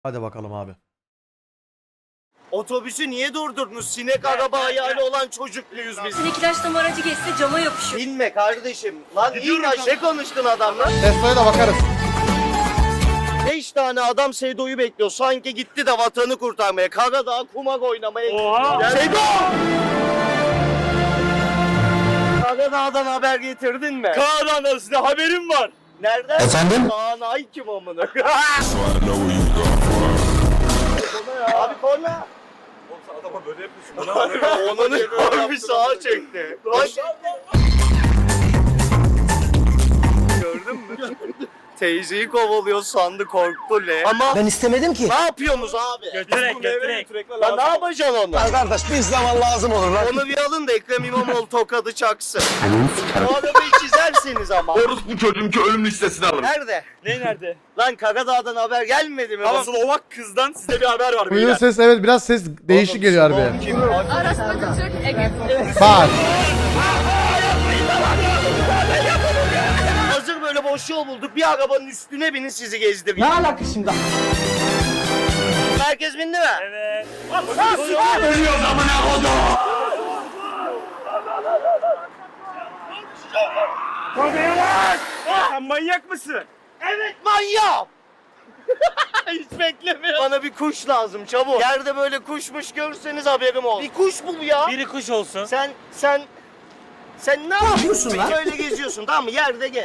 Hadi bakalım abi. Otobüsü niye durdurdunuz? Sinek araba hayali olan çocuk muyuz biz? Sinek ilaçlama aracı geçse cama yapışıyor. Binme kardeşim. Lan in aşağı konuştun adamla. Tesla'ya da bakarız. 5 tane adam Sedo'yu bekliyor. Sanki gitti de vatanı kurtarmaya. Karadağ kumak oynamaya. Oha! Sedo! Karadağ'dan haber getirdin mi? Kaan'dan da size haberim var. Nereden? Efendim? Kaan ay kim amına? Abi korna. Adama böyle yapıyorsun. Onun abi sağa çekti. Bak. Gördün mü? Teyzeyi kovalıyor sandı korktu le. Ama Ben istemedim ki. ne yapıyorsunuz abi? Götürek. Lan ne yapacaksın onu? Kardeş bir zaman lazım olur lan. Onu bir alın da Ekrem İmamoğlu tokadı çaksın. Bu arabayı çizerseniz ama. Bu çocuğun ki ölüm listesine alın. Nerede? Ne nerede? Lan Karadağ'dan haber gelmedi mi? Asıl Ovak kızdan size bir haber var Buyurun beyler. ses, evet biraz ses değişik geliyor harbi. Kim? Arasmacı Türk Ege. Bak. Hazır böyle boş yol bulduk. Bir arabanın üstüne binin sizi gezdireyim. Ne alakası şimdi? Herkes bindi mi? Evet. Ölüyoruz amına kodum. Sen manyak mısın? Evet manyağım. Hiç beklemiyorum. Bana bir kuş lazım çabuk. Yerde böyle kuşmuş görürseniz haberim olsun. Bir kuş bul ya. Biri kuş olsun. Sen ne yapıyorsun lan? Böyle geziyorsun tamam mı? Yerde gel.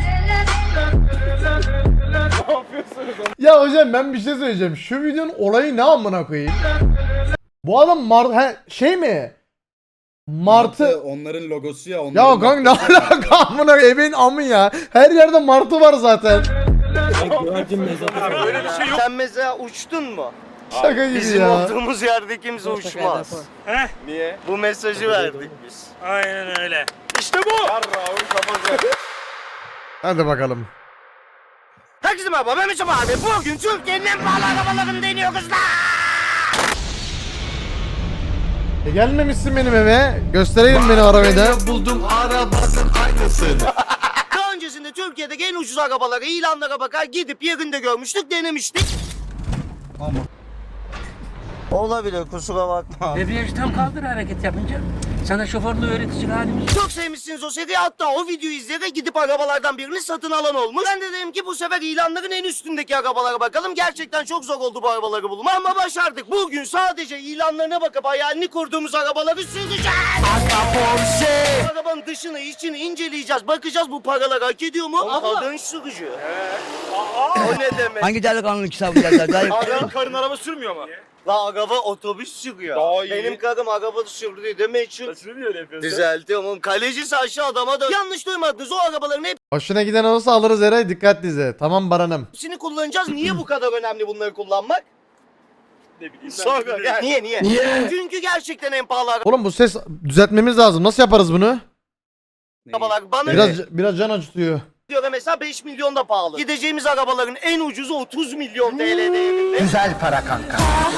Ya hocam ben bir şey söyleyeceğim. Şu videonun olayı ne amına koyayım? Bu adam şey mi? Martı. Onların logosu ya. Ya Onların kanka ne alaka amına ebeğin amı ya. Her yerde martı var zaten. Böyle bir şey yok. Sen mesela uçtun mu? Şaka gibi Bizim ya. olduğumuz yerde kimse uçmaz. Heh. Niye? Bu mesajı verdik biz. Aynen öyle. İşte bu. Hadi bakalım. Herkese merhaba ben Mesut abi. Bugün Türkiye'nin en pahalı arabalarını deniyor kızlar. Gelmemişsin benim eve. Göstereyim benim arabayı da. Buldum arabasın aynısını. Daha öncesinde Türkiye'deki en ucuz arabaları ilanlara bakar gidip yerinde görmüştük denemiştik. Ama. Olabilir kusura bakma. Debriyajı tam kaldır hareket yapınca. Sana şoförlüğü öğretecek halimiz yok. Çok sevmişsiniz o seriyi hatta o videoyu izleyerek gidip arabalardan birini satın alan olmuş. Ben de dedim ki bu sefer ilanların en üstündeki arabalara bakalım. Gerçekten çok zor oldu bu arabaları bulmak ama başardık. Bugün sadece ilanlarına bakıp hayalini kurduğumuz arabaları süreceğiz. Arabanın dışını içini inceleyeceğiz. Bakacağız bu paralar hak ediyor mu? Kadın sürücü. O ne demek? Hangi delikanlı kitabı yazar? Senin karın araba sürmüyor mu? La araba otobüs sürüyor. Daha iyi. Benim karım araba sürdüğü de meçhul. Nasıl niye öyle yapıyorsun? Düzeltiyorum oğlum. Kalecisi aşağı adama da. Yanlış duymadınız. O arabaların Hoşuna giden olursa alırız Eray. Dikkatli izle. Tamam Baran'ım. hepsini kullanacağız. Niye bu kadar önemli bunları kullanmak? Ne bileyim. Sonra gel. Niye? Çünkü gerçekten en pahalı Oğlum bu ses düzeltmemiz lazım. Nasıl yaparız bunu? arabalar. Bana Biraz can acıtıyor. göre mesela 5 milyon da pahalı. Gideceğimiz arabaların en ucuzu 30 milyon TL değerinde. Güzel para kanka.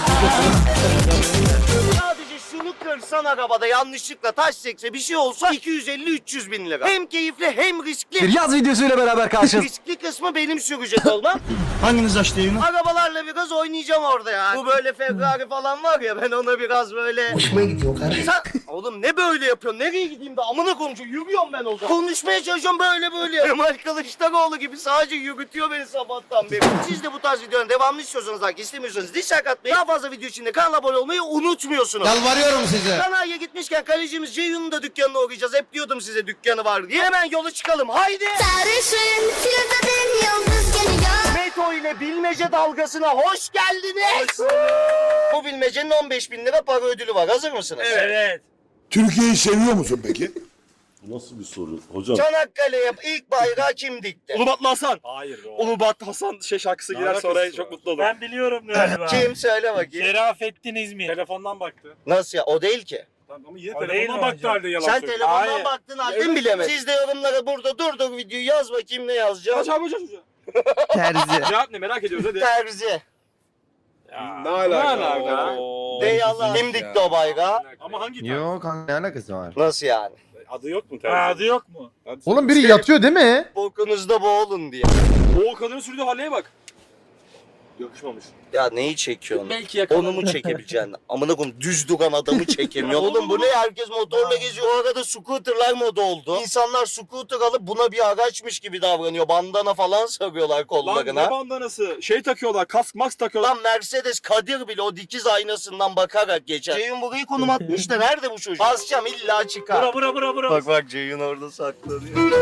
Sadece şunu kırsan arabada yanlışlıkla taş sekse bir şey olsa 250-300 bin lira. Hem keyifli hem riskli. Bir yaz videosuyla beraber karşınızda. Riskli kısmı benim sürecek olmam. Hanginiz açtı yayını? Arabalarla biraz oynayacağım orada ya. Bu böyle Ferrari falan var ya ben ona biraz böyle... Hoşuma gidiyor kardeşim. Sen... Oğlum ne böyle yapıyorsun? Nereye gideyim de amına konuşuyor. Yürüyorum ben o zaman. Konuşmaya çalışıyorum böyle. Kemal Kılıçdaroğlu gibi sadece yürütüyor beni sabahtan beri. Siz de bu tarz videoların devamlı istiyorsanız like istemiyorsanız dislike atmayı. Daha fazla video için de kanala abone olmayı unutmuyorsunuz. Yalvarıyorum size. Sanayiye gitmişken kalecimiz Ceyhun'un da dükkanına uğrayacağız. Hep diyordum size dükkanı var diye. Hemen yola çıkalım. Haydi. Sarışın filozofun yıldız geliyor. Meto ile bilmece dalgasına hoş geldiniz. Bu bilmecenin 15 bin lira para ödülü var. Hazır mısınız? Evet. Türkiye'yi seviyor musun peki? Bu nasıl bir soru hocam? Çanakkale'ye ilk bayrağı kim dikti? Ulubatlı Hasan. Hayır. Ulubatlı Hasan şarkısı girer alakası sonra var? çok mutlu olur. Ben biliyorum galiba. Kim söyle bakayım. Şerafettin İzmir. Telefondan baktı. Nasıl ya? O değil ki. Ama yine O değil telefondan mi baktı hocam? halde yalan Sen söylüyor. telefondan Hayır. baktın halde mi bilemedin? Siz de yorumlara burada durduk videoyu yaz bakayım ne yazacağım. Hocam. Terzi. Cevap ne merak ediyoruz hadi. Terzi. Ne alaka? Ne alaka? Dey Allah. Kim dikti o bayrağı? Ama hangi Yok kanka ne alakası var? Nasıl yani? Adı yok mu Ha, terzi? adı yok mu? Oğlum biri yatıyor değil mi? Bokunuzda boğulun diye. O kadının sürdüğü halleye bak. Yakışmamış. Ya neyi çekiyorsun? Belki yakalanır. Onu mu çekebileceksin? Amına koyayım düz duran adamı çekemiyor. Oğlum bu ne? Herkes motorla geziyor. O arada scooterlar moda oldu. İnsanlar scooter alıp buna bir araçmış gibi davranıyor. Bandana falan sarıyorlar Lan kollarına. ne bandanası? Şey takıyorlar, kask mask takıyorlar. Lan Mercedes Kadir bile o dikiz aynasından bakarak geçer. Ceyhun burayı konum atmış da nerede bu çocuk? Basacağım illa çıkar. Bura. Bak bak Ceyhun orada saklanıyor.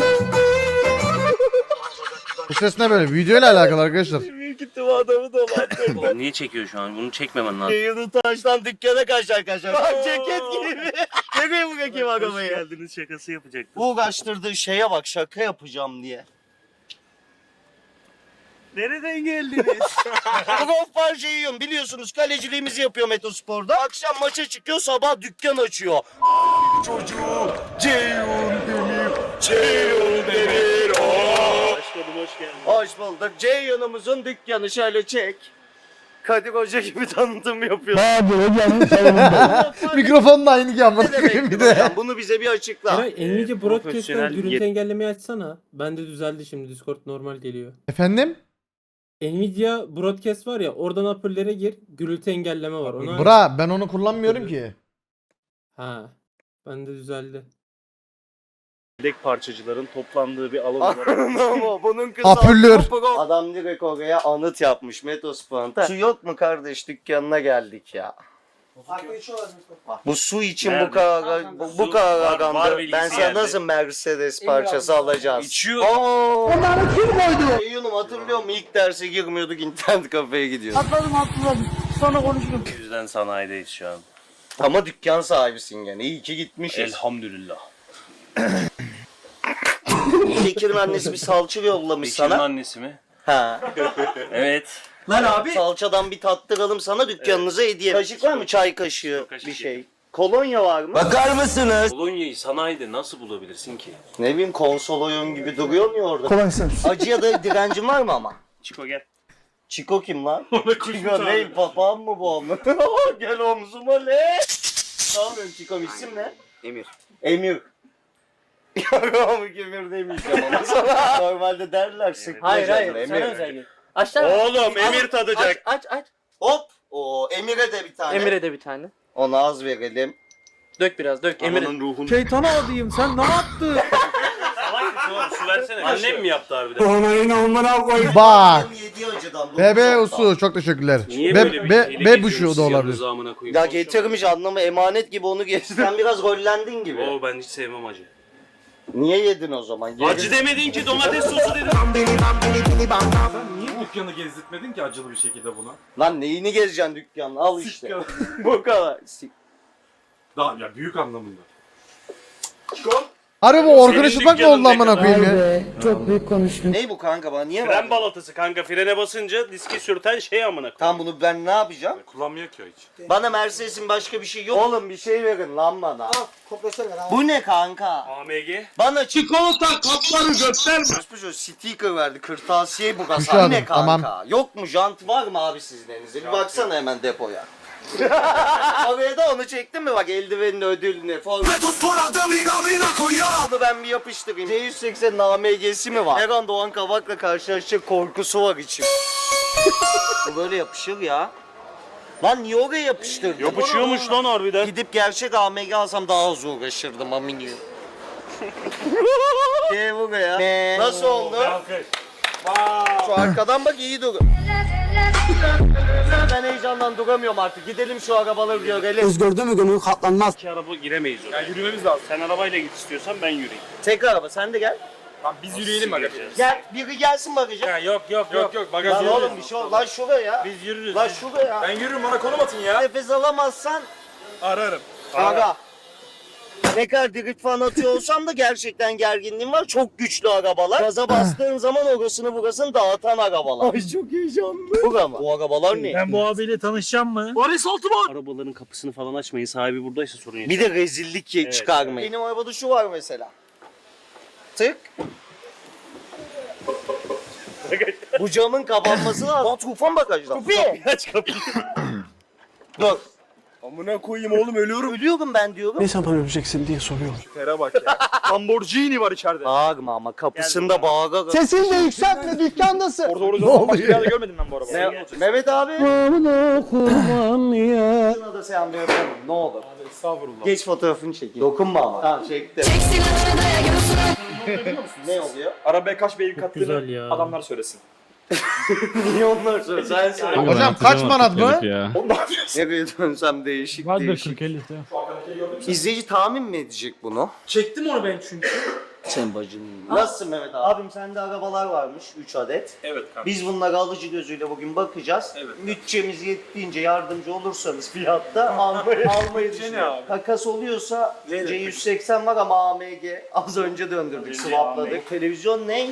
Bu ses ne böyle? Video ile alakalı arkadaşlar. Büyük ihtimal adamı dolandırdı. Oğlum niye çekiyor şu an? Bunu çekmemen lazım. Ceyhun'un taştan dükkana kaçar. Bak ceket gibi. Nereye bırakayım arabayı? geldiniz şakası yapacaktım. Bu uğraştırdığı şeye bak şaka yapacağım diye. Nereden geldiniz? Profil Ceyhun biliyorsunuz kaleciliğimizi yapıyor Metospor'da. Akşam maça çıkıyor sabah dükkan açıyor. Çocuğu Ceyhun Demir, Ceyhun Demir Başladım, hoş geldin. Hoş bulduk. Ceyhun'umuzun dükkanı şöyle çek. Kadir Hoca gibi tanıtım yapıyor. Mikrofonun da aynı ki ama. Ne demek Bir de. hocam? Bunu bize bir açıkla. Nvidia Broadcast'ten profesyonel gürültü engellemeyi açsana. Bende düzeldi şimdi. Discord normal geliyor. Efendim? Nvidia Broadcast var ya, oradan hoparlöre gir. Gürültü engelleme var. Ona... Bra ben onu kullanmıyorum ki. Ha. Bende düzeldi. Yedek parçacıların toplandığı bir alan olarak. Ama bunun kızı Apüllür. Adam direkt oraya anıt yapmış Metospor'da. Su yok mu kardeş dükkanına geldik ya. Bu su için Nerede? bu kadar bu Su kadar var agamda. bilgisi Ben sana yerde. nasıl Mercedes parçası alacağız? İçiyor. Onları kim koydu? Ceyhun'um hatırlıyor musun? İlk derse girmiyorduk internet kafeye gidiyorduk. O yüzden sanayideyiz şu an. Ama dükkan sahibisin gene. İyi ki gitmişiz. Elhamdülillah. Bekir'in annesi bir salça yollamış Bekir'in sana. annesi mi? Ha. Evet. Lan abi. Salçadan bir tattıralım sana dükkanınıza hediye. Kaşık var mı? Çay kaşığı kaşık bir şey. yedim. Kolonya var mı? Bakar mısınız? Polonya'yı sanayide nasıl bulabilirsin ki? Ne bileyim konsol oyun gibi duruyor mu orada? Kolaysın. Acıya da direncin var mı ama? Çiko gel. Çiko kim lan? Çiko ne? Papağan mı bu ama? Gel omzuma le. Ne yapıyorsun Çiko? İsim ne? Emir. Emir. Yok Emir demeyeceğim ama sana. Normalde derler sıkma canım, Emir. Oğlum Emir tadacak. Aç. Hop. O Emir'e de bir tane. Emir'e de bir tane. Ona az verelim. Dök biraz dök. Emir'in ruhunu. Şeytana adayım, sen ne yaptın? Su versene. Annem mi yaptı harbiden? Bak. Yedi acıdan. Bebe usu çok teşekkürler. Niye böyle bir şeyle Be buşu geziyorsunuz da olabilir. yanınıza amına koyayım? Ya getirmiş anlamı emanet gibi onu geç. Sen biraz rollendin gibi. Oo ben hiç sevmem acı. Niye yedin o zaman? Yedin. Acı demedin ki domates sosu dedin. Niye dükkanı gezdirtmedin ki acılı bir şekilde buna? Lan neyini gezeceksin dükkanla al işte. Bu kadar. Daha ya büyük anlamında. Harbi bu Orkun Senin Işıtmak mı dükkanın oldu ne amına kadar? koyayım ya? Ne bu kanka bana niye Fren verdin? balatası kanka, frene basınca diski sürten şey amına koyayım. Tam bunu ben ne yapacağım? Kullanmıyor ki o hiç. Bana Mercedes'in başka bir şey yok. Oğlum bir şey verin lan bana. Bu ne kanka? AMG. Bana çikolata kapları gösterme. Şu sticker verdi kırtasiye bu Şu kasa. an, Ne kanka? tamam. Yok mu jant var mı abi sizin elinizde? Bir baksana hemen depoya. Oraya da onu çektin mi bak eldivenin ödülünü. Bunu ben bir yapıştırayım. C180'in AMG'si mi var? Her an Doğan Kabak'la karşılaşacak korkusu var içim. Bu böyle yapışır ya. Lan niye oraya yapıştırdın? Yapışıyormuş lan harbiden. Gidip gerçek AMG alsam daha az uğraşırdım aminio. Gel buraya. Nasıl oldu? Şu arkadan bak iyi dur. Ben heyecandan duramıyorum artık. Gidelim şu arabaları görelim. Özgürde mü gönül katlanmaz. İki araba giremeyiz oraya. Yani yürümemiz lazım. Sen arabayla git istiyorsan ben yürüyeyim. Tek araba sen de gel. Tamam biz yürüyelim bagaja. Gel biri gelsin bagaja. Yok bagaj Lan yürüyelim. oğlum bir şey ol. Lan şuraya. Biz yürürüz. Lan şuraya. Ben yürürüm bana konum atın ya. Nefes alamazsan Ararım. ara. Ne kadar drift falan atıyor olsam da gerçekten gerginliğim var. Çok güçlü arabalar. Gaza bastığın zaman orasını burasını dağıtan arabalar. Ay çok heyecanlı. Bu ama. Bu arabalar ne? Ben bu abiyle tanışacağım mı? Varis Altıman. Arabaların kapısını falan açmayın. Sahibi buradaysa sorun yok. Bir de rezillik Evet. çıkarmayın. Benim arabada şu var mesela. Tık. Bu camın kapanması lazım. Lan Tufan bagajda. Tufi. Aç kapıyı. Dur. Amına koyayım oğlum ölüyorum. Ölüyorum ben diyorum. Ne zaman öleceksin diye soruyorum. Tere bak ya. Lamborghini var içeride. Bağırma ama kapısında bağıra. Sesini de yükseltme dükkandasın. Orada Ne başka bir oluyor? yerde görmedim ben bu arabayı. Mehmet abi. Şuna da sen bir öpelim ne olur. Estağfurullah. Geç fotoğrafını çekeyim. Dokunma ama. Tamam çektim. Çek silahını daya göğsüne. Ne oluyor? Arabaya kaç beygir kattığını güzel ya. adamlar söylesin. Niye onlar söyle? Sen söyle. Hocam kaç manat mı? Nereye dönsem değişik değişik. İzleyici tahmin mi edecek bunu? Çektim onu ben çünkü. Sen bacın. Nasılsın Mehmet abi? Abim sende arabalar varmış 3 adet. Evet kanka. Biz bunlara alıcı gözüyle bugün bakacağız. Evet. Bütçemiz yettiğince yardımcı olursanız fiyatta almayı düşünüyorum. abi? Takas oluyorsa Verir. C180 var ama AMG az önce döndürdük, swapladık. Televizyon ne?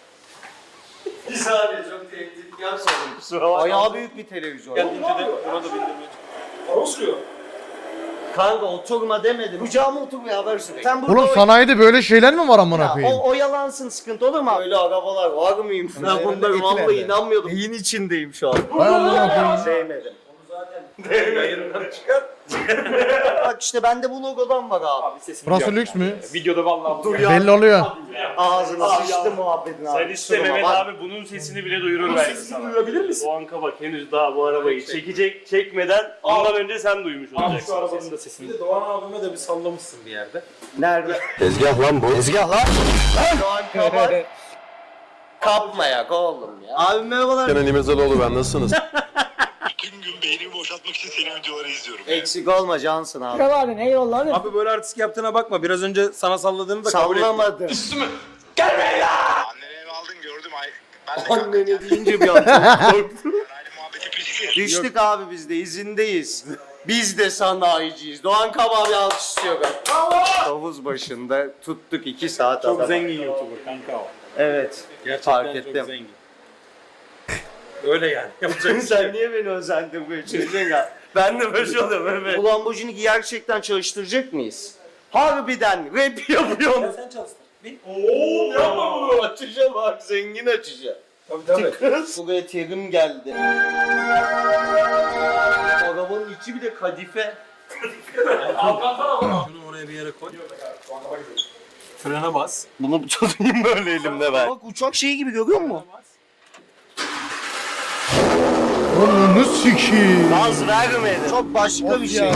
Bir saniye çok tehditkar sorun. Kusura bakma. Bayağı büyük bir televizyon. Gel ince de buna da bindirmeye. Araba sürüyor. Kanka oturma demedim. Kucağıma oturmaya haber sürekli. Sen burada Oğlum sanayide böyle şeyler mi var amına koyayım? o yalansın sıkıntı olur mu? Öyle arabalar var mıyım? Ben bunlara vallahi inanmıyordum. Neyin içindeyim şu an? Vay amına koyayım. Sevmedim. Yayından çıkar. Bak işte bende bu logodan var abi. Abi sesini Burası duyar. lüks mü? Videoda vallahi bu. Belli oluyor. Ağzına sıçtı muhabbetin abi. Sen iste Mehmet abi bunun sesini bile duyurur belki sana. Duyurabilir misin? O anka bak henüz daha bu arabayı çekecek çekmeden ondan önce sen duymuş Abi olacaksın. şu arabanın da sesini. Bir de Doğan abime de bir sallamışsın bir yerde. Nerede? Tezgah lan bu. Tezgah lan. Doğan Kabak. Kapmayak oğlum ya. Abi merhabalar. Kenan İmirzalıoğlu ben nasılsınız? Bütün gün beynimi boşaltmak için senin videoları izliyorum. Eksik olma cansın abi. Abi böyle artistik yaptığına bakma. Biraz önce sana salladığını da kabul et. Sallamadı. Anneni eve aldın gördüm ay. Ben de Anneni deyince bir an çok korktum. aynı muhabbeti pişti. Düştük abi biz de izindeyiz. Biz de sanayiciyiz. Doğan Kabak bir alkış istiyor ben. Havuz başında tuttuk 2 saat Çok adam. zengin YouTuber kanka o. Evet. Gerçekten Fark çok ettim. zengin. Öyle yani. Yapacak bir şey Sen yok. niye beni özendin böyle çocuğun ya? Ben de böyle oluyorum evet. Bu Lamborghini'yi gerçekten çalıştıracak mıyız? Harbiden rap yapıyorum. Sen çalıştır. Oo yapma bunu. Açacağım abi zengin açacağım. Tabii. Kız. Buraya terim geldi. Arabanın içi bir de kadife. Şunu oraya bir yere koy. Frene bas. Bunu tutayım böyle elimde ben. Bak uçak şeyi gibi görüyor musun? Onu sikiyim. Gaz vermedi. Çok başka bir şey. ya.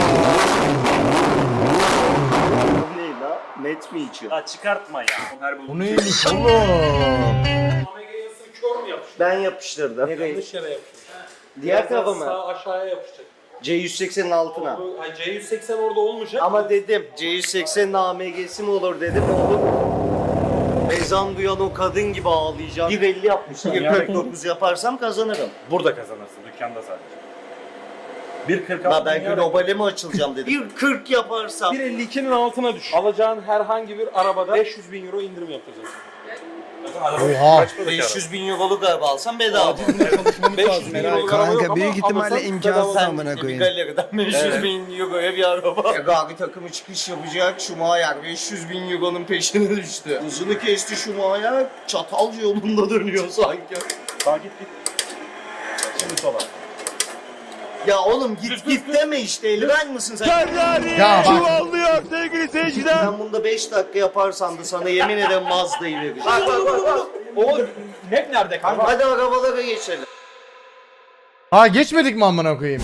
Bu ne la? Net mi içiyor? Ha çıkartma ya. Bu neymiş oğlum? Omega yazısını kör mü yapıştır? Ben yapıştırdım. Yanlış yere yapıştır. Diğer tarafa mı? Sağ aşağıya yapışacak. C180'in altına. Ay C180 orada olmayacak. Ama dedim C180'in AMG'si mi olur dedim oğlum. Ezan duyan o kadın gibi ağlayacağım. 1.50 yapmışlar. 1.49 yaparsam kazanırım. Burada kazanırsın dükkanda sadece. 1.46 La ben globale mi açılacağım dedim. 1.40 yaparsam. 1.52'nin altına düş. Alacağın herhangi bir arabada 500 bin euro indirim yapacağız. Oha. 500 bin euroluk araba alsam bedava. 500 bin euroluk araba yok Kanka büyük ama ihtimalle alırsan imkansız bedava. amına Bir koyayım. galeriden 500 bin euroya bir araba. Gagi takımı çıkış yapacak. Schumacher 500 bin euronun peşine düştü. Uzunu kesti Schumacher. Çatalca yolunda dönüyor sanki. Sağ git. Şimdi sola. Ya oğlum git deme işte. Eldiven mısın sen? Ya bak. Çuvallıyor sevgili seyirciler. Ben bunda 5 dakika yaparsam da sana yemin ederim Mazda'yı vereceğim. Bak. O map nerede kanka? Hadi arabalara geçelim. Ha geçmedik mi amına koyayım?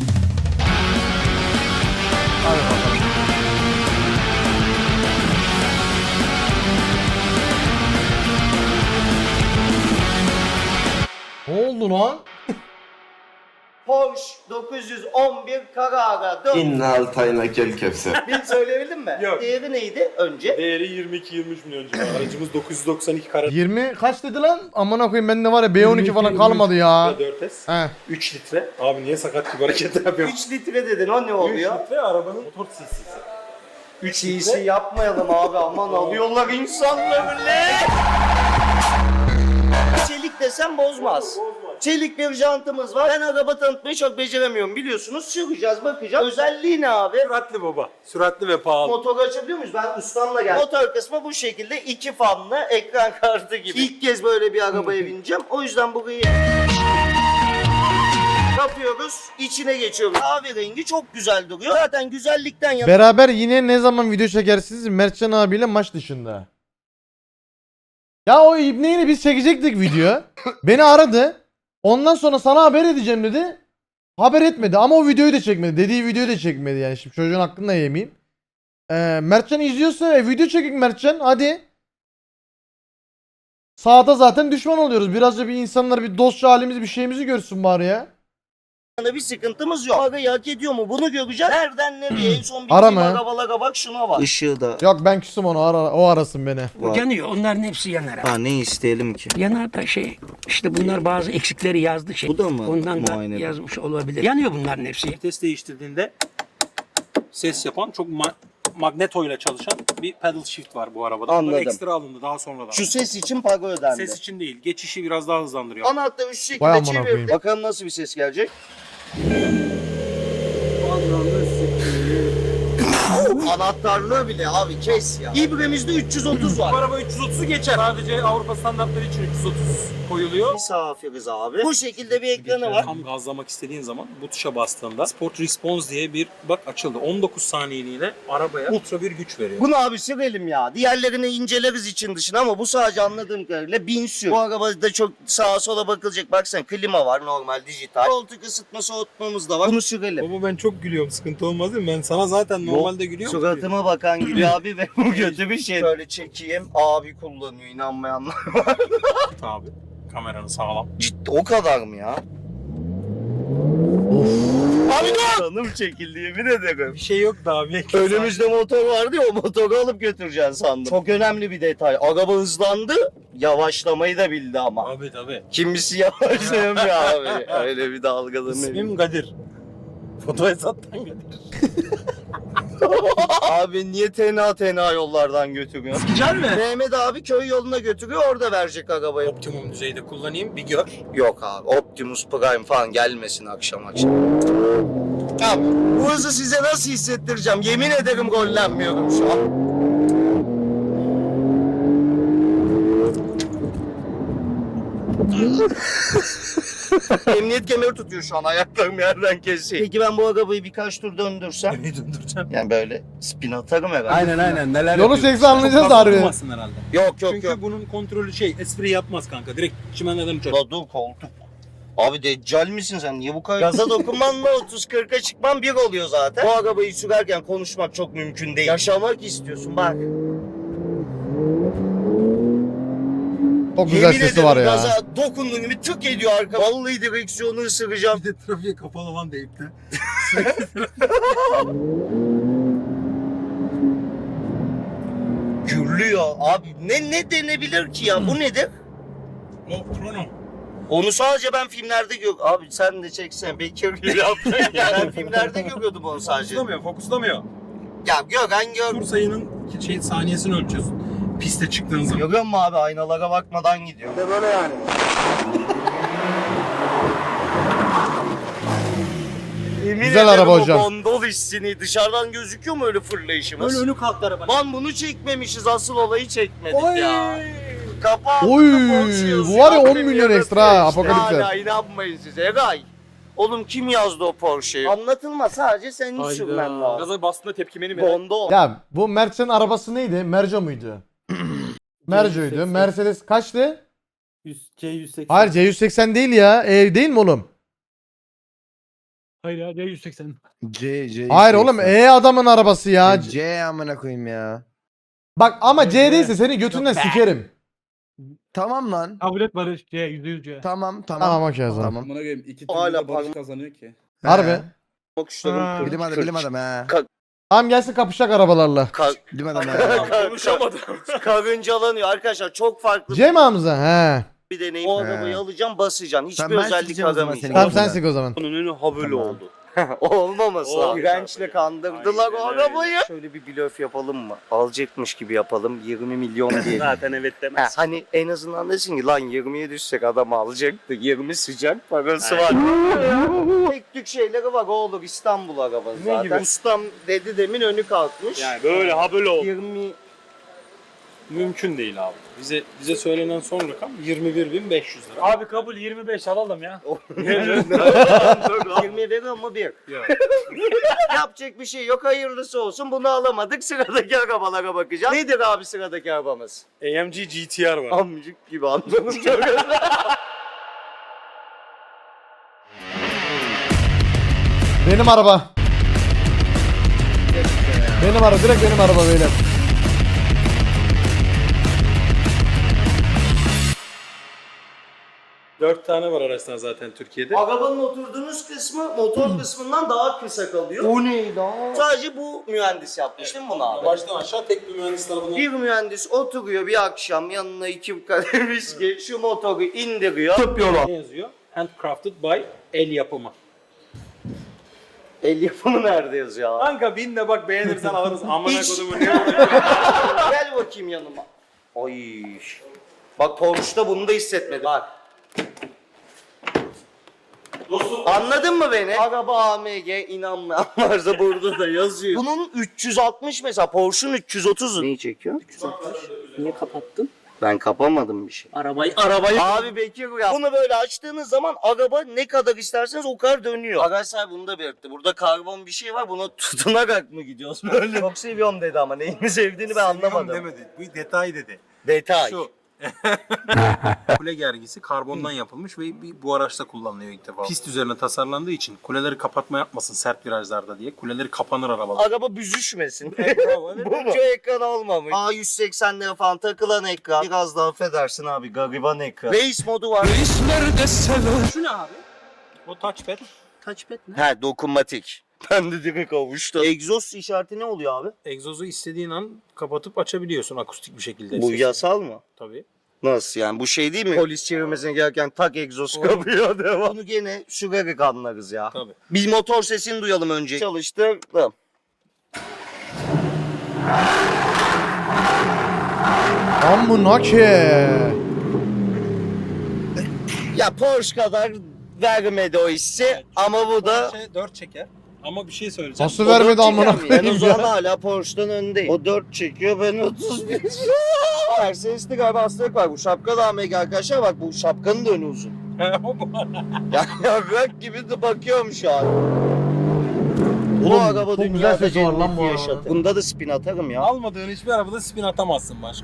Hadi bakalım. Ne oldu lan? Porsche 911 Carrara 4. İnnal tayna kel kevser. Bir söyleyebildim mi? Yok. Değeri neydi önce? Değeri 22-23 milyon civarı. Aracımız 992 karat 20 kaç dedi lan? Amına koyayım bende var ya B12 falan kalmadı ya. 4S. He. 3 litre. Abi niye sakat gibi hareket yapıyorsun? 3 litre dedin o ne oluyor? 3 litre arabanın motor cc'si. 3 CC yapmayalım abi aman alıyorlar insanları ne? Çelik desem bozmaz. Çelik bir jantımız var. Ben araba tanıtmayı çok beceremiyorum biliyorsunuz. Süreceğiz bakacağız. Özelliği ne abi? Süratli baba. Süratli ve pahalı. Motoru açabiliyor muyuz? Ben ustamla geldim. Motor kısmı bu şekilde 2 fanlı ekran kartı gibi. İlk kez böyle bir arabaya bineceğim. O yüzden burayı kapıyorum. geliyoruz. İçine geçiyoruz. Kahverengi çok güzel duruyor. Zaten güzellikten yana Beraber yine ne zaman video çekersiniz? Mertcan abiyle maç dışında. Ya o İbne'yle biz çekecektik video. Beni aradı. Ondan sonra sana haber edeceğim dedi. Haber etmedi ama o videoyu da çekmedi. Dediği videoyu da çekmedi yani. Şimdi çocuğun hakkını da yemeyeyim. Mertcan izliyorsa video çekin Mertcan. Hadi. Sağda zaten düşman oluyoruz. Birazca bir insanlar bir dostça halimizi bir şeyimizi görsün bari ya. bir sıkıntımız yok. Parayı hak ediyor mu? Bunu göreceğiz. Nereden nereye? En son Ara bildiğim mı? arabalara bak şuna bak. Işığı da Yok ben küstüm onu o arasın beni. Yanıyor. Onların hepsi yanar. ha, ne isteyelim ki? Yanar da işte bunlar bazı eksikleri yazdı şey. Bu da mı Ondan da muayene? yazmış olabilir. Yanıyor bunların hepsi. Vites değiştirdiğinde ses yapan çok magneto ile çalışan bir pedal shift var bu arabada. Anladım. Bunlar ekstra alındı daha sonradan. Şu ses için para ödendi. Ses için değil. Geçişi biraz daha hızlandırıyor. Anahtarı şu Vay şekilde amına çevir. koyayım. Bakalım nasıl bir ses gelecek. Anahtarlığı bile abi kes ya. İbremizde 330 Bu var. araba 330'u geçer. Sadece Avrupa standartları için 330 koyuluyor. Misafiriz abi. Bu şekilde bir ekranı var. Tam gazlamak istediğin zaman bu tuşa bastığında Sport Response diye bir bak açıldı. 19 saniyeliğine arabaya ultra bir güç veriyor. Bunu abi sürelim ya. Diğerlerini inceleriz için dışına ama bu sadece anladığım kadarıyla 1000 sür. Bu arabada çok sağa sola bakılacak. Baksana klima var normal dijital. Koltuk ısıtma soğutmamız da var. Bunu sürelim. Baba ben çok gülüyorum. Sıkıntı olmaz değil mi? Ben sana zaten normalde gülüyorum. Suratıma bakan gülüyor abi ve bu kötü bir şey. Şöyle çekeyim. Abi kullanıyor inanmayanlar. Abi kameranı sağlam. Ciddi o kadar mı ya? Abi dur! Canım çekildi yemin ederim. Bir şey yok da abi. Önümüzde motor vardı ya o motoru alıp götüreceksin sandım. Çok önemli bir detay. Araba hızlandı. Yavaşlamayı da bildi ama. Abi tabii. Kimisi yavaşlayamıyor abi. Öyle bir dalgalanıyor. İsmim Kadir. Fotoğraftan Kadir. Abi niye tenha yollardan götürüyor? Güzel mi? Mehmet abi köy yoluna götürüyor orada verecek arabayı. Optimum düzeyde kullanayım bir gör. Yok abi Optimus Prime falan gelmesin akşam. Abi bu hızı size nasıl hissettireceğim? Yemin ederim gollenmiyorum şu an. Emniyet kemeri tutuyor şu an ayaklarım yerden kesiyor. Peki ben bu arabayı birkaç tur döndürsem? Beni döndüreceğim. Yani böyle spin atarım herhalde. Aynen neler Yolu çekse anlayacağız da harbi. Durmasın herhalde. Yok Çünkü bunun kontrolü espri yapmaz kanka. Direkt çimenden uçar. La dur koltuk. Abi deccal misin sen? Niye bu kadar? Gaza dokunmanla 30-40'a çıkman bir oluyor zaten. Bu arabayı sürerken konuşmak çok mümkün değil. Yaşamak istiyorsun bak. Çok güzel Yemin sesi ederim var ya. gaza dokunduğun gibi tık ediyor arka. Vallahi direksiyonu ısıracağım. Bir de trafiğe kapalı lan deyip de. Gürlüyor abi. Ne denebilir ki ya? Bu nedir? O krono. Onu sadece ben filmlerde gör. Abi sen de çeksen Bekir gibi yaptın ya. Ben filmlerde görüyordum onu sadece. Fokuslamıyor. Ya Gökhan gör. Tur sayının saniyesini ölçüyorsun. Piste çıktığın zaman. Görüyor musun abi aynalara bakmadan gidiyor. De böyle yani. Yemin Güzel ederim araba o hocam. Gondol hissini dışarıdan gözüküyor mu öyle fırlayışımız? Öyle önü kalktı araba. Lan bunu çekmemişiz asıl olayı çekmedik ya. Kapağı Oy, Porsche yazıyor. bu var ya 10 Premier'da milyon ekstra ha, işte. Apokalipse. Hala inanmayın size. Egay. Oğlum kim yazdı o Porsche'yi? Anlatılma sadece senin sürmen lazım. Gaza bastığında tepkimeni mi? Gondol. Ya bu Mertcan'ın arabası neydi? Merco muydu? Merco'ydu. Mercedes kaçtı? C180. Hayır C180 değil ya. Değil mi oğlum? Hayır ya C180. C Hayır oğlum adamın arabası ya. C amına koyayım ya. Bak ama C değilse seni götünden sikerim. Tamam lan. Kabul et Barış. C %100 C. Tamam. Tamam okey o zaman. Tamam. Buna göre iki Hala türlü de barış parmak- kazanıyor ki. Harbi. Bakışlarım Bilim adamı bilim adamı he. Tamam gelsin kapışacak arabalarla. Bilim adamı he. Konuşamadım. Karıncalanıyor arkadaşlar çok farklı C mi Hamza? He. bir deneyim. O arabayı alacaksın basacaksın. Hiçbir Tamam, ben özellik sikeceğim o zaman aramayacaksın. Tamam Tamam. sen sik o zaman. Onun önü ha böyle Tamam. oldu. Olmaması lazım. İğrençle kandırdılar o Aynen öyle. arabayı. Şöyle bir blöf yapalım mı? Alacakmış gibi yapalım. 20 milyon diye. Zaten evet Ha, demez. hani en azından desin ki lan 20'ye düşsek adam alacaktı. 20 sıcak parası var. Tek tük şeyleri var. O olur İstanbul arabası zaten. gibi? Ustam dedi demin önü kalkmış. Yani böyle ha böyle oldu. 20 Mümkün değil abi. Bize söylenen son rakam 21.500 lira. Abi kabul 25 alalım ya. 20 veriyor mu bir? Yok. Yapacak bir şey yok, hayırlısı olsun. Bunu alamadık, sıradaki arabalara bakacağız. Nedir abi sıradaki arabamız? AMG GTR var. Amcık gibi anladım çok. Benim araba. Benim araba, direkt benim araba beyler. Dört tane var araçlar zaten Türkiye'de. Arabanın oturduğunuz kısmı motor kısmından daha kısa kalıyor. O ne lan? Sadece bu mühendis yapmış değil mi bunu abi? Baştan aşağı tek bir mühendis tarafından. Bir mühendis oturuyor bir akşam, yanına 2 kadeh viski, şu motoru indiriyor. Ne yazıyor? Handcrafted by el yapımı. El yapımı nerede yazıyor abi? Kanka bin de bak beğenirsen alırız. Amına Hiç. kodumu ne Gel bakayım yanıma. Ay. Bak Porsche'da bunu da hissetmedim. Bak. Anladın mı beni? Araba AMG, inanmayan varsa burada da yazıyor. Bunun 360 mesela, Porsche'un 330'u. Neyi çekiyor? 360. Niye kapattın? Ben kapamadım bir şey. Arabayı. Abi Bekir ya. Bunu böyle açtığınız zaman araba ne kadar isterseniz o kadar dönüyor. Araç sahibi bunu da belirtti. Burada karbon bir şey var, buna tutunarak mı gidiyoruz böyle? Çok seviyorum dedi ama neyini sevdiğini ben anlamadım. demedi. Bu detay dedi. Detay. Şu. Kule gergisi karbondan yapılmış ve bu araçta kullanılıyor ilk defa. Pist üzerine tasarlandığı için kuleleri kapatma yapmasın sert virajlarda diye. Kuleleri kapanır arabalar. Araba büzüşmesin. Bravo, evet. Bu mu? Şu ekran olmamış. A180 lira falan takılan ekran. Biraz daha affedersin abi, gariban ekran. Race modu var. Şu ne abi? O touchpad. Touchpad mi? He, dokunmatik. Ben de direkt kavuştum. Egzoz işareti ne oluyor abi? Egzozu istediğin an kapatıp açabiliyorsun akustik bir şekilde. Bu Ses. yasal mı? Tabii. Nasıl yani, bu şey değil mi? Polis çevirmesine gereken tak egzoz kapıyor devam. Bunu gene sürerik anlarız ya. Tabii. Bir motor sesini duyalım önce. Çalıştırdım. Amına ki. Ya Porsche kadar vermedi o hissi ama bu da... 4 çeker. Ama bir şey söyleyeceğim. Nasıl vermedi amına Ben o koyayım zaman ya. hala Porsche'dan öndeyim. O 4 çekiyor, ben 31. Mercedes'te galiba hastalık var. Bu şapka da AMG arkadaşlar, bak bu şapkanın da önü uzun. Ya bırak gibi de bakıyorum şu an. Bu Oğlum, araba çok güzel dünyada sesi var lan cenneti bu arabada. yaşatır. Bunda da spin atarım ya. Almadığın hiçbir arabada spin atamazsın başka.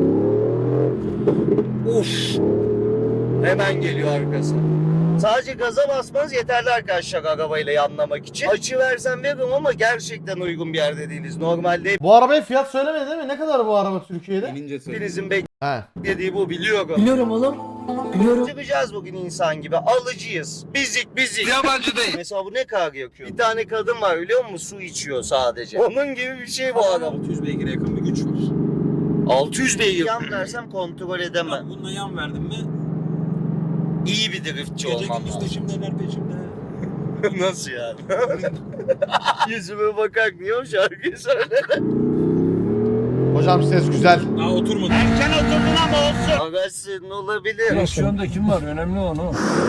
Uf. Hemen geliyor arkası. Sadece gaza basmanız yeterli arkadaşlar arabayla yanlamak için. Açı versen veririm ama gerçekten uygun bir yerde değiliz. Normalde Bu arabaya fiyat söylemedi değil mi? Ne kadar bu araba Türkiye'de? hepinizin He. beklediği bu, biliyorum. Biliyorum oğlum. Biliyorum. Çıkacağız bugün insan gibi. Alıcıyız. Bizik. Yabancı değil. Mesela bu ne kadar yakıyor? Bir tane kadın var biliyor musun? Su içiyor sadece. Onun gibi bir şey bu araba. 600 beygire yakın bir güç var. 600 beygir. Yan versem kontrol edemem. Bununla yan verdim mi İyi bir driftçi gece olmam gündüz lazım. peşimdeler peşimde. Nasıl yani? Yüzüme bakar niye o şarkıyı söyle? Hocam ses güzel. Daha oturmadı. Sen oturdun ama olsun. Araç senin olabilir. Direksiyonda kim var? Önemli onu.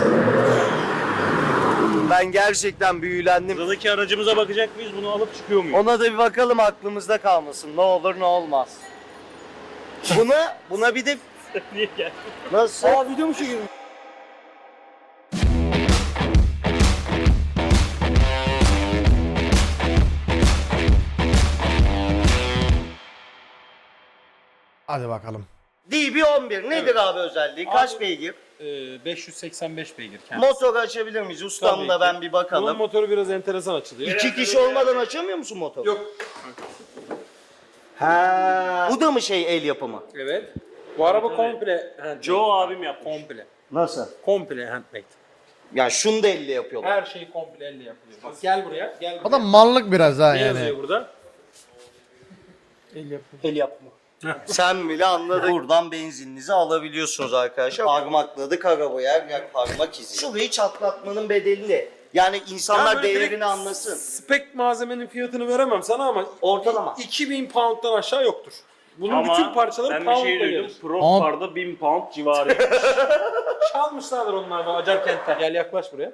Ben gerçekten büyülendim. Sıradaki aracımıza bakacak mıyız? Bunu alıp çıkıyor muyuz? Ona da bir bakalım, aklımızda kalmasın. Ne olur ne olmaz. Buna bir de... Niye geldin? Nasıl? Video mu çekiyorsun? Hadi bakalım. DB11 nedir abi özelliği? Kaç beygir? 585 beygir kendisi. Motor açabilir miyiz? Ustam Tabii da ki. ben bir bakalım. motoru biraz enteresan açılıyor. 2 kişi olmadan açamıyor musun motoru? Yok. Ha. Bu da mı şey, el yapımı? Evet. Bu araba komple handmade. Joe abim yapmış. Komple. Nasıl? Komple handmade. Yani şunu da elle yapıyorlar. Her şey komple elle yapılıyor. Bak gel buraya. Gel buraya. O da mallık biraz ha Ne yani. yazıyor burada? El yapımı. El yapma. Sen bile anladın. Buradan benzininizi alabiliyorsunuz arkadaşlar. Parmakladık arabayı, her yer parmak izi. Şurayı çatlatmanın bedeli ne? Yani insanlar böyle değerini direkt anlasın. Spek malzemenin fiyatını veremem sana ama Ortalama. 2000 pound'dan aşağı yoktur. Bunun Ama bütün parçaları ben bir pound'da şey duydum. gelir. Pro Car'da 1000 pound civarı. Çalmışlardır onlar da Acarkent'ten. Gel yaklaş buraya.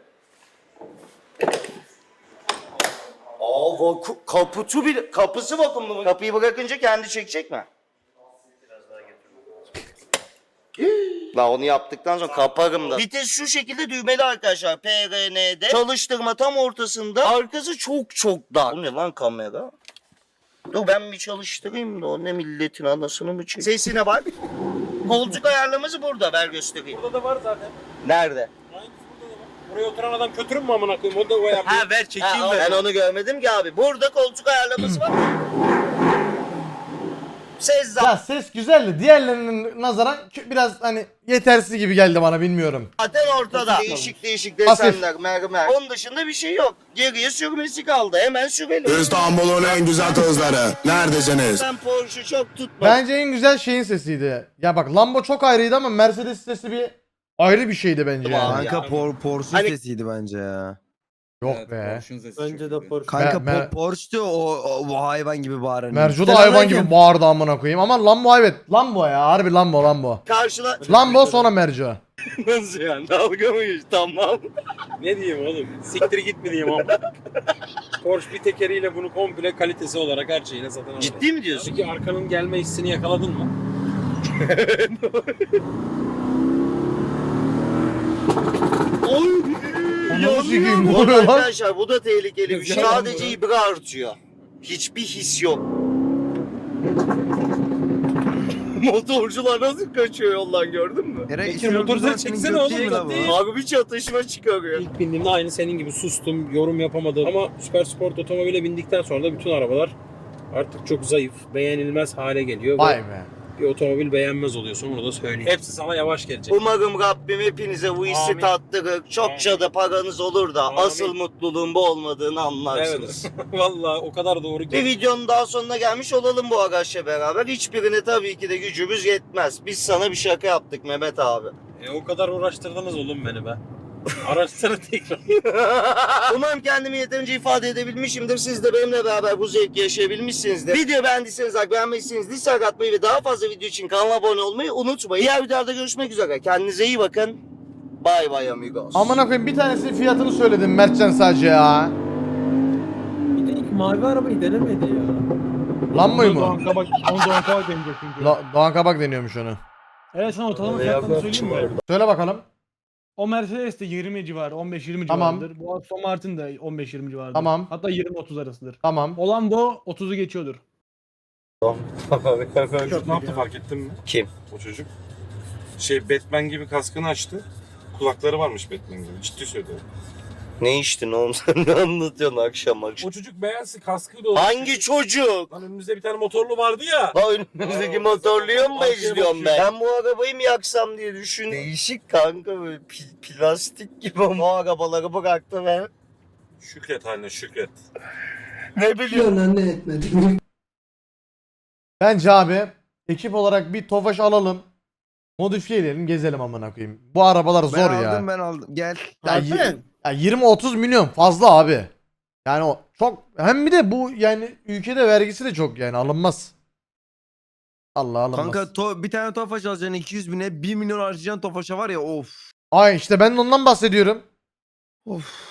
Aa, kapısı vakumlu mu? Kapıyı bırakınca kendi çekecek mi? La onu yaptıktan sonra kaparım da. Vites şu şekilde düğmeli arkadaşlar. PRN'de. Çalıştırma tam ortasında. Arkası çok çok dar. Bu ne lan kamera? Dur ben bir çalıştırayım da o ne milletin anasını mı çıkıyor? Sesine bak. Koltuk ayarlaması burada, ver göstereyim. Burada da var zaten. Nerede? Aynısı burada da var. Buraya oturan adam kötürüm mü amına koyayım? O da o yapıyor. Ha ver çekeyim ben onu görmedim ki abi. Burada koltuk ayarlaması var. Ses Ya ses güzeldi. Diğerlerinin nazaran biraz hani yetersiz gibi geldi bana, bilmiyorum. zaten ortada. Değişik değişik Hafif. desenler, mermer. Onun dışında bir şey yok. Geriye sürmesi kaldı. Hemen sürelim. İstanbul'un en güzel kızları. Neredesiniz? Ben Porsche çok tutmadım. Bence en güzel şeyin sesiydi. Ya bak Lambo çok ayrıydı ama Mercedes sesi bir ayrı bir şeydi bence. Tamam. Yani. Kanka Porsche Hani- sesiydi bence ya. Yok be. Bence de Porsche. Kanka Me- Porsche'tu o hayvan gibi bağıran. Merco da hayvan gibi bağırdı amına koyayım ama Lambo, evet. Lambo ya, harbi Lambo. Karşıla... Lambo sonra Merco. Nasıl yani? Dalga mı geçti? Tamam. Ne diyeyim oğlum? Siktir git mi diyeyim ama. Porsche bir tekeriyle bunu komple kalitesi olarak her şeyine satın alıyor. Ciddi mi diyorsun? Peki arkanın gelme hissini yakaladın mı? Ananı sikeyim, ne Bu oluyor lan? arkadaşlar bu da tehlikeli bir şey. Sadece ibra artıyor. Hiçbir his yok. Motorcular nasıl kaçıyor yoldan gördün mü? Peki motoru çeksene oğlum. Abi bir çatışma çıkarıyor. İlk bindiğimde aynı senin gibi sustum, yorum yapamadım. Ama süper sport otomobile bindikten sonra da bütün arabalar artık çok zayıf, beğenilmez hale geliyor. Vay Ve be. bir otomobil beğenmez oluyorsun, onu da söyleyeyim. Hepsi sana yavaş gelecek. Umarım Rabbim hepinize bu hissi Amin. tattırır. Çokça da paranız olur da Amin. asıl mutluluğun bu olmadığını anlarsınız. Evet. Vallahi o kadar doğru Bir ki. videonun daha sonuna gelmiş olalım bu arkadaşla beraber. Hiçbirine tabii ki de gücümüz yetmez. Biz sana bir şaka yaptık Mehmet abi. O kadar uğraştırdınız oğlum beni be. Araçları tekrar. Umarım kendimi yeterince ifade edebilmişimdir. Siz de benimle beraber bu zevki yaşayabilmişsinizdir. Video beğendiyseniz like, beğenmediyseniz dislike atmayı ve daha fazla video için kanala abone olmayı unutmayın. Diğer videolarda görüşmek üzere. Kendinize iyi bakın. Bye bye amigos. Amına koyayım, bir tanesinin fiyatını söyledim Mertcan sadece ya. Bir de ilk mavi arabayı denemedi ya. Lambo'yu mu? Doğan Kabak deneyecek çünkü. Doğan Kabak deniyormuş onu. Evet, sana ortalama fiyatlarını söyleyeyim mi? Söyle bakalım. O Mercedes de 20 civarı, 15-20 Tamam. civarıdır. Bu Aston Martin de 15-20 civarıdır. Tamam. Hatta 20-30 arasıdır. Tamam. Olan bu 30'u geçiyordur. Ne yaptı fark ettin mi? Kim? O çocuk. Batman gibi kaskını açtı. Kulakları varmış Batman gibi. Ciddi söylüyorum. Ne içtin oğlum sen ne anlatıyorsun akşam akşam? O çocuk beğensin kaskıyla olsun. Hangi çocuk? Lan önümüzde bir tane motorlu vardı ya. La önümüzdeki motorluyor mu Arkaya izliyorum ben? Ben bu arabayı mı yaksam diye düşün. Değişik kanka böyle plastik gibi ama o arabaları bıraktı ve Şükret haline şükret. ne biliyorsun? Bence abi ekip olarak bir Tofaş alalım. Modifiye edelim, gezelim amına koyayım. Bu arabalar zor ya. Ben aldım. Gel. Ya, ya 20-30 milyon fazla abi. Yani o çok, hem bir de bu yani ülkede vergisi de çok, yani alınmaz. Allah alınmaz. Kanka bir tane Tofaş alacaksın 200 bine 1 milyon harcayacaksın Tofaş'a var ya of. Ay işte ben de ondan bahsediyorum. Of.